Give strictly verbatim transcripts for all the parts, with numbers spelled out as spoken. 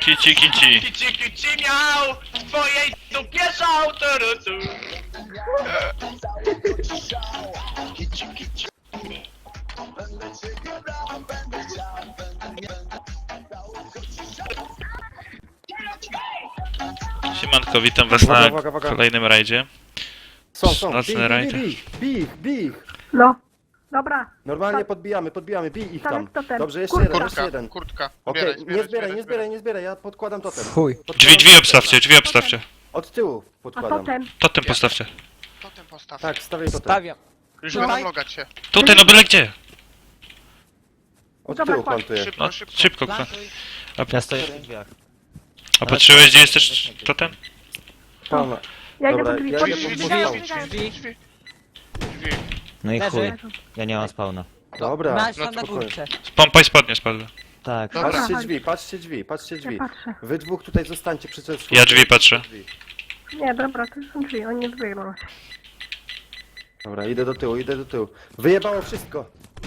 Kici, kici. Kici, kici miał w twojej dupie szał, tu, tu. Siemanko, witam was Uwaga, na uwaga, uwaga. kolejnym rajdzie. Są, są, Nocny bij, rajd. bij, bij, bij, bij ich. No, dobra. Normalnie Tak. podbijamy, podbijamy, bij ich Tak, tam. to ten. Dobrze, jeszcze Kurka. jeden, jeszcze Kurtka, jeden. kurtka. Okej, Zbieraj, nie zbieraj, zbieraj, nie zbieraj, nie zbieraj, ja podkładam totem. Chuj. Podkładam Drzwi, drzwi totem. obstawcie, drzwi obstawcie. Od tyłu A podkładam. potem? Totem postawcie. Totem postaw. Tak, stawiaj totem. Stawiam. Już Dawaj. będą logać się. Tutaj, no byle gdzie. Od Dobra, tyłu kładź. plantuję. Szybko, No, szybko. szybko. kto- Ja stoję w drzwiach. A patrzyłeś, gdzie jest też totem? Pana. Ja idę Dobra, po drzwi, ja po idę drzwi, po wybiegają, drzwi. wybiegają. Drzwi, drzwi. Drzwi. No i Leży. chuj, ja nie mam spawna. Dobra, Masz no tam na spokojnie. górce. Pompa i spodnie spadły. Tak. Dobra. Patrzcie Aha. drzwi, patrzcie drzwi, patrzcie drzwi. Ja patrzę. Wy dwóch tutaj zostańcie przy czas. Ja drzwi patrzę. Nie, dobra, to są drzwi, oni nie wybiegną. Dobra, idę do tyłu, idę do tyłu. Wyjebało wszystko.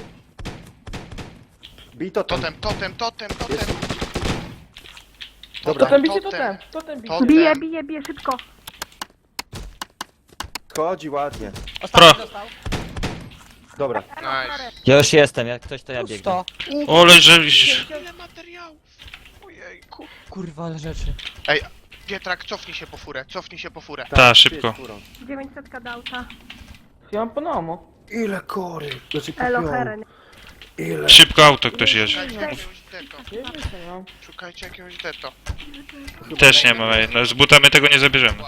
Bij totem. Totem, totem, totem, totem. Jest. Dobra, Totem, bicie totem. totem, totem bicie. Totem. Bije, bije, bije szybko. chodzi ładnie. Pro. Ostatni dostał. Dobra, Nice. Ja już jestem, jak ktoś to ja biegnę. Pusto. Ole, że... Ile materiałów. Ojejku. Kurwa, ale rzeczy. Ej, Pietrak, cofnij się po furę, cofnij się po furę. Ta, przyjedź szybko. furą. dziewięćset kadałca. Ja mam panomo. Ile kory? Znaczy Elo, kupią. heren. Ile? Szybko auto ktoś jedzie. Szukajcie jakiegoś deto. Nie wiem co mam. Szukajcie jakiegoś deto. Też nie ma, ej, no z butami tego nie zabierzemy.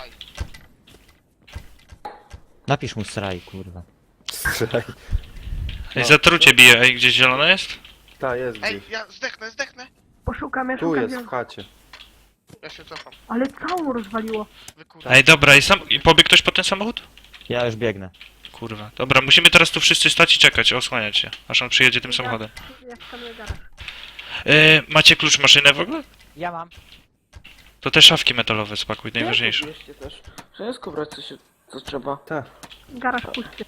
Napisz mu sraj, kurwa. Strzelaj. Ej, zatrucie bije, ej, gdzieś zielone jest? Ta jest Ej, gdzieś. ja zdechnę, zdechnę. Poszukam, ja Tu szukam. jest wielu- w chacie. Ja się cofam. Ale całą rozwaliło. Wykurwa. Ej, dobra, i sam... i pobiegł ktoś po ten samochód? Ja już biegnę. Kurwa. Dobra, musimy teraz tu wszyscy stać i czekać, osłaniać się, aż on przyjedzie tym samochodem. Ja skanuję garaż. E, macie klucz maszyny w ogóle? Ja mam. To te szafki metalowe spakuj, najważniejsze. Bierzcie też. Wszystko brać co się, co trzeba. Ta. Garaż pusty.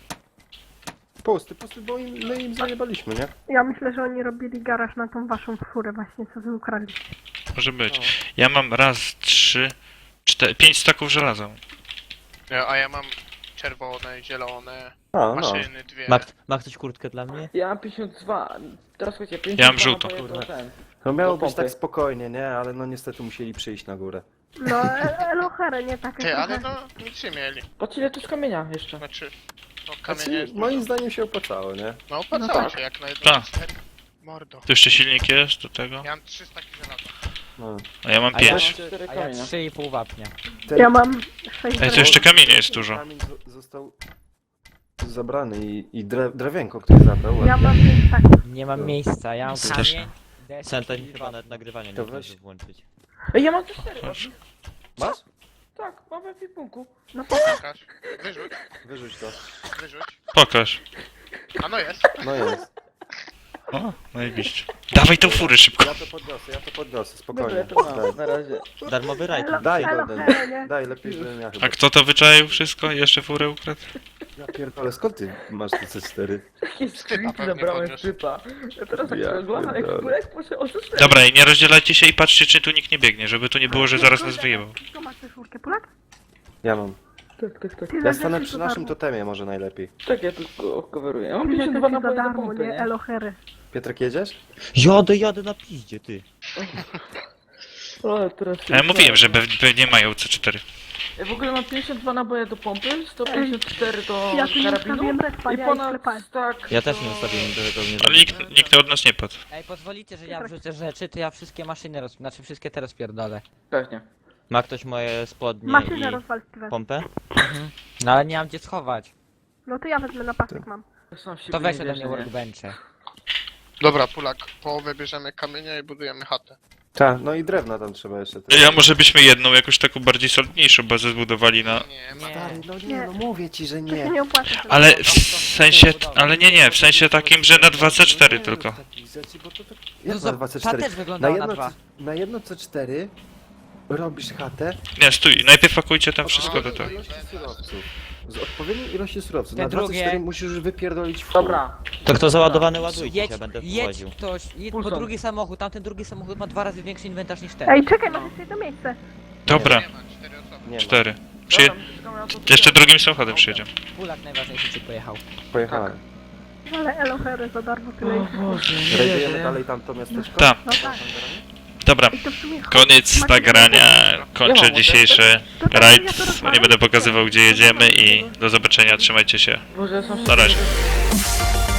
Pusty, pusty, bo im, my im zajebaliśmy, nie? Ja myślę, że oni robili garaż na tą waszą furę właśnie, co wy ukradliście. Może być. Ja mam raz, trzy, cztery, pięć staków żelaza. Ja- A ja mam czerwone, zielone, A, no. maszyny dwie. Ma, ma ktoś kurtkę dla mnie? Ja mam pięćdziesiąt dwa. Teraz słuchajcie, pięćdziesiąt Ja mam dwa żółto, naboje kurwa. do ten. No miało Do być pompy. tak spokojnie, nie? Ale no niestety musieli przyjść na górę. No, e- elo, heren, nie takie Ty, ale trochę. no nic nie mieli. Patrz ile tu jest kamienia jeszcze. Znaczy, no kamienie Znaczy, jest moim dużo. zdaniem się opłacało, nie? No opłacało No się tak. jak na jedno Tak. cztery. Mordo. Tu jeszcze silnik jest do tego. Ja mam trzysta żelaza. No. A ja mam A ja pięć. Cztery A ja kamienia. trzy i pół wapnia. Ten Ja mam sześć. Ej, to jeszcze kamienie jest dużo. Kamień zo- został zabrany i, i dre, drewienko, który zabrał. Ja mam pięć staków. Nie mam miejsca, ja mam Też. kamień. deskę Centen i chyba wapń. nawet nagrywanie nie To może weź. włączyć. Ej, ja mam też cztery. Masz? Masz? Tak, mam w ekwipunku. No pokaż. Pokaż. Wyrzuć, Wyrzuć to. wyrzuć. Pokaż. A no jest. No jest. O, najebiście. Dawaj tą furę szybko. Ja to podniosę, ja to podniosę, Dobra, spokojnie. ja to mam Daj, na razie. Darmowy rajd. Elo, Daj, elo, Golden. herenie. daj, lepiej, żebym ja chyba. A kto to wyczaił wszystko i jeszcze furę ukradł? Ja pierdolę, skąd ty masz te C cztery? Jakie Typa screeny pewnie zabrałem podniósł. typa. Ja teraz tak Ja oglądam jak pierdolę. kurek poszedł o cztery. Dobra, i nie rozdzielajcie się i patrzcie, czy tu nikt nie biegnie, żeby tu nie było, że zaraz nas wyjebał. Kto ma tę czwórkę, Polak? Ja mam. Tak, tak, tak. Ty Ja za stanę rzeczy przy za naszym darmo. totemie może najlepiej. Tak, ja tylko coveruję. Ja mam Ty za pięćdziesiąt dwa rzeczy za naboje do darmo, pompy, nie? nie? Elo, hery. Piotrek, jedziesz? Jadę, jadę na piździe, ty. Ale teraz się A ja mówiłem, że dostałem. pewnie nie mają C cztery. Ja w ogóle mam pięćdziesiąt dwa naboje do pompy, sto pięćdziesiąt cztery do Ja tu nie karabinu ustawiłem respa, i ja ponad sklepałem. tak Ja też do- nie ustawiłem do tego nie Ale nikt, nikt od nas nie padł. Ej, pozwolicie, że ja wrzucę rzeczy, to ja wszystkie maszyny roz... Znaczy wszystkie te rozpierdolę. Pewnie. Ma ktoś moje spodnie Maszynę i rozwal Steven. pompę? No ale nie mam gdzie schować. No to ja wezmę na pasek mam. Ja sam w siebie To weź nie ode wierzę, mnie nie? workbenche. Dobra, Pulak, połowę bierzemy kamienia i budujemy chatę. Tak, no i drewna tam trzeba jeszcze. też. Ja może byśmy jedną, jakoś taką bardziej solidniejszą bazę zbudowali na... Nie, ma. Stary, no nie, Nie. no mówię ci, że To się nie. nie opłaca. Ale w sensie... Ale nie, nie, w sensie takim, że na dwa C cztery tylko. Takich rzeczy, bo to tak... No Jak za- na dwa C ta cztery? też Na wyglądała na jedno, dwa. C- na jedno C cztery robisz chatę. Nie, stój, najpierw pakujcie tam wszystko do tego. ilości surowców. Z odpowiedniej ilości surowców. Te Na drugie- dwadzieścia cztery musisz wypierdolić w Dobra. To kto załadowany ładujcie, Jedź, ja będę jedź wwoził. ktoś, jedź po Pulsar. drugi samochód, tamten drugi samochód ma dwa razy większy inwentarz niż ten. Ej, czekaj, masz jeszcze jedno miejsce. Dobra, Nie ma, cztery osoby. Nie ma. cztery. Przyje... Dobra, czekamy na to, co Jeszcze ja- drugim samochodem przyjedziemy. Pulak najważniejszy ci pojechał. Pojechałem. Ale elohery za darmo tyle O ich. Boże, nie Rajdujemy wierzę. dalej tamto miasteczko? Tak. No tak. Dobra, I to w sumie chodź. koniec Macie nagrania. Kończę Nie mam dzisiejszy To tak, rajd. ja to rozwalam. Nie będę pokazywał gdzie jedziemy i do zobaczenia, trzymajcie się. Boże, ja sam Na razie. sobie-